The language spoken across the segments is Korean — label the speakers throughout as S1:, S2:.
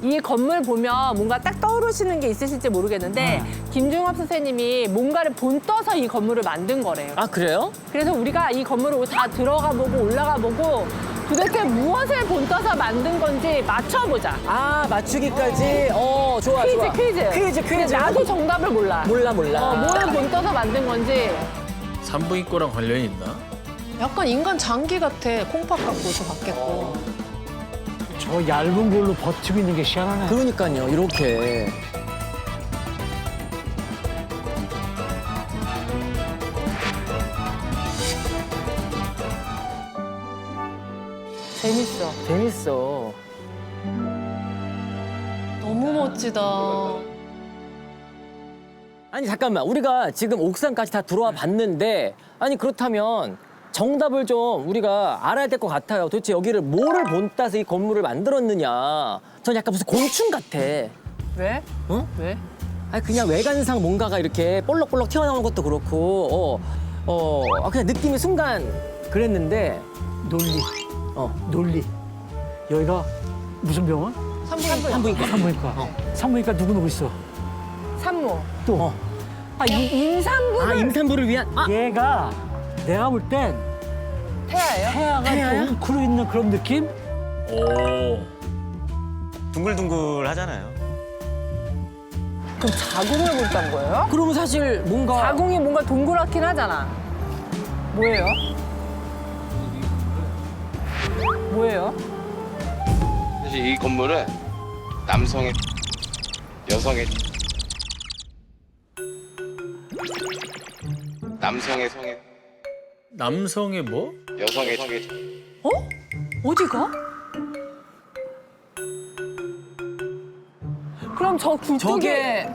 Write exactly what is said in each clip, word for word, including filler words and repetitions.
S1: 이 건물 보면 뭔가 딱 떠오르시는 게 있으실지 모르겠는데 김중엽 선생님이 뭔가를 본떠서 이 건물을 만든 거래요.
S2: 아 그래요?
S1: 그래서 우리가 이 건물을 다 들어가 보고 올라가 보고 도대체 무엇을 본떠서 만든 건지 맞춰보자.
S2: 아 맞추기까지. 어 좋아
S1: 퀴즈
S2: 좋아.
S1: 퀴즈.
S2: 퀴즈
S1: 근데
S2: 퀴즈.
S1: 나도 정답을 몰라.
S2: 몰라 몰라.
S1: 어, 뭘 본떠서 만든 건지.
S3: 산부인과랑 관련이 있나?
S4: 약간 인간 장기 같아. 콩팥 같고 저 같겠고.
S5: 저 얇은 걸로 버티고 있는 게 희한하네.
S2: 그러니까요 이렇게.
S1: 재밌어.
S2: 재밌어.
S4: 너무 멋지다.
S2: 아니 잠깐만 우리가 지금 옥상까지 다 들어와 봤는데 아니 그렇다면 정답을 좀 우리가 알아야 될 것 같아요. 도대체 여기를 뭐를 본따서 이 건물을 만들었느냐. 전 약간 무슨 곤충 같아.
S1: 왜?
S2: 어?
S1: 왜?
S2: 아니 그냥 외관상 뭔가가 이렇게 볼록볼록 튀어나온 것도 그렇고 어, 어 아, 그냥 느낌이 순간 그랬는데
S5: 논리,
S2: 어
S5: 논리. 여기가 무슨 병원?
S4: 산부인과.
S2: 산부인과.
S5: 산부인과.
S2: 어.
S5: 산부인과 누구-누구 있어?
S1: 산모.
S5: 또
S2: 어.
S1: 아, 이, 임산부를
S2: 아 임산부를 위한 아
S5: 얘가 내가 볼 땐
S1: 태아예요?
S5: 태아가
S2: 태아야?
S5: 좀 웅크려 있는 그런 느낌?
S3: 오.
S6: 둥글둥글 하잖아요.
S1: 그럼 자궁을 본단 거예요?
S2: 그러면 사실 뭔가
S1: 자궁이 뭔가 동그랗긴 하잖아. 뭐예요? 뭐예요?
S7: 사실 이 건물은 남성의 여성의 남성의 성의
S3: 남성의 뭐?
S7: 여성의 성의
S1: 어디가? 그럼 저 굴뚝에
S2: 저게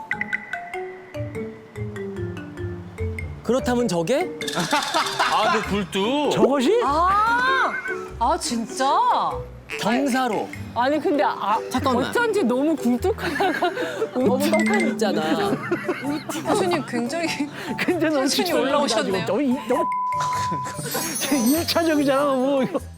S2: 그렇다면 저게
S3: 아, 그 굴뚝.
S5: 저것이?
S4: 아, 아 진짜?
S2: 경사로
S1: 아니 근데 아,
S2: 잠깐만.
S1: 어쩐지 너무 굴뚝하다가
S2: 너무 떡하니 있잖아.
S4: 교수님 굉장히
S5: 근데 너무
S4: 텐션이 올라오셨네요.
S5: 너무 이- 너무 일차적이잖아. 뭐 이거.